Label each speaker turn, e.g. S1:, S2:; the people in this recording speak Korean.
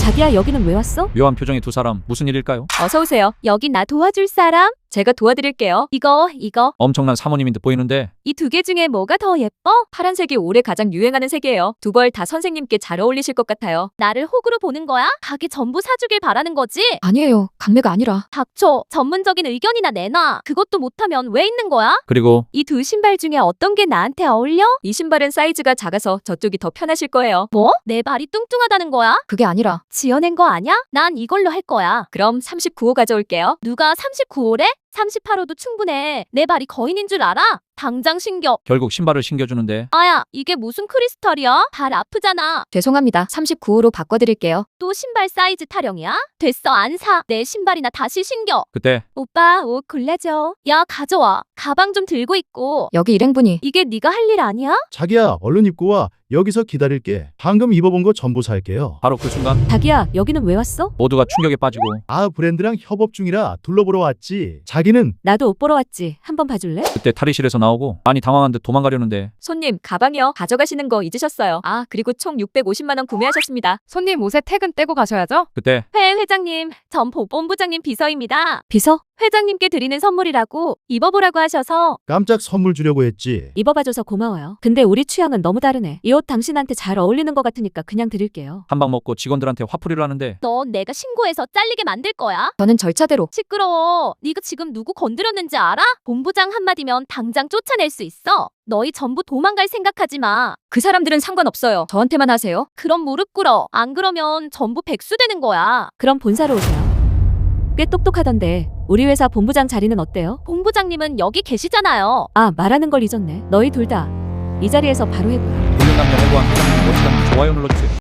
S1: 자기야, 여기는 왜 왔어?
S2: 묘한 표정의 두 사람, 무슨 일일까요?
S1: 어서 오세요. 여기 나 도와줄 사람? 제가 도와드릴게요. 이거.
S2: 엄청난 사모님인 듯 보이는데.
S1: 이 두 개 중에 뭐가 더 예뻐? 파란색이 올해 가장 유행하는 색이에요. 두 벌 다 선생님께 잘 어울리실 것 같아요. 나를 호구로 보는 거야? 가게 전부 사주길 바라는 거지?
S3: 아니에요. 강매가 아니라.
S1: 닥쳐. 전문적인 의견이나 내놔. 그것도 못하면 왜 있는 거야?
S2: 그리고
S1: 이 두 신발 중에 어떤 게 나한테 어울려? 이 신발은 사이즈가 작아서 저쪽이 더 편하실 거예요. 뭐? 내 발이 뚱뚱하다는 거야?
S3: 그게 아니라.
S1: 지어낸 거 아냐? 난 이걸로 할 거야. 그럼 39호 가져올게요. 누가 39호래? 38호도 충분해. 내 발이 거인인 줄 알아? 당장 신겨.
S2: 결국 신발을 신겨주는데.
S1: 아야, 이게 무슨 크리스탈이야? 발 아프잖아.
S3: 죄송합니다. 39호로 바꿔드릴게요.
S1: 또 신발 사이즈 타령이야? 됐어, 안 사. 내 신발이나 다시 신겨.
S2: 그때
S1: 오빠, 옷 골라줘. 야, 가져와. 가방 좀 들고 있고.
S3: 여기 일행분이.
S1: 이게 네가 할 일 아니야?
S4: 자기야, 얼른 입고 와. 여기서 기다릴게. 방금 입어본 거 전부 살게요.
S2: 바로 그 순간
S1: 자기야, 여기는 왜 왔어?
S2: 모두가 충격에 빠지고.
S4: 아, 브랜드랑 협업 중이라 둘러보러 왔지. 자기는
S1: 나도 옷 보러 왔지. 한번 봐줄래?
S2: 그때 탈의실에서 나오고 많이 당황한 듯 도망가려는데.
S1: 손님, 가방이요. 가져가시는 거 잊으셨어요. 아, 그리고 총 650만 원 구매하셨습니다.
S3: 손님 옷에 태근 떼고 가셔야죠.
S2: 그때
S1: 회장님, 전 보본부장님 비서입니다. 비서? 회장님께 드리는 선물이라고 입어보라고 하셔서.
S4: 깜짝 선물 주려고 했지.
S1: 입어봐줘서 고마워요. 근데 우리 취향은 너무 다르네. 이 옷 당신한테 잘 어울리는 것 같으니까 그냥 드릴게요.
S2: 한 방 먹고 직원들한테 화풀이를 하는데.
S1: 너 내가 신고해서 잘리게 만들 거야?
S3: 저는 절차대로.
S1: 시끄러워. 네가 지금 누구 건드렸는지 알아? 본부장 한마디면 당장 쫓아낼 수 있어. 너희 전부 도망갈 생각하지 마.
S3: 그 사람들은 상관없어요. 저한테만 하세요.
S1: 그럼 무릎 꿇어. 안 그러면 전부 백수 되는 거야. 그럼 본사로 오세요. 꽤 똑똑하던데 우리 회사 본부장 자리는 어때요? 본부장님은 여기 계시잖아요. 아, 말하는 걸 잊었네. 너희 둘 다 이 자리에서 바로 해보라.
S2: 불륜 남녀 해고한 회장님 멋지다는 좋아요 눌러주세요.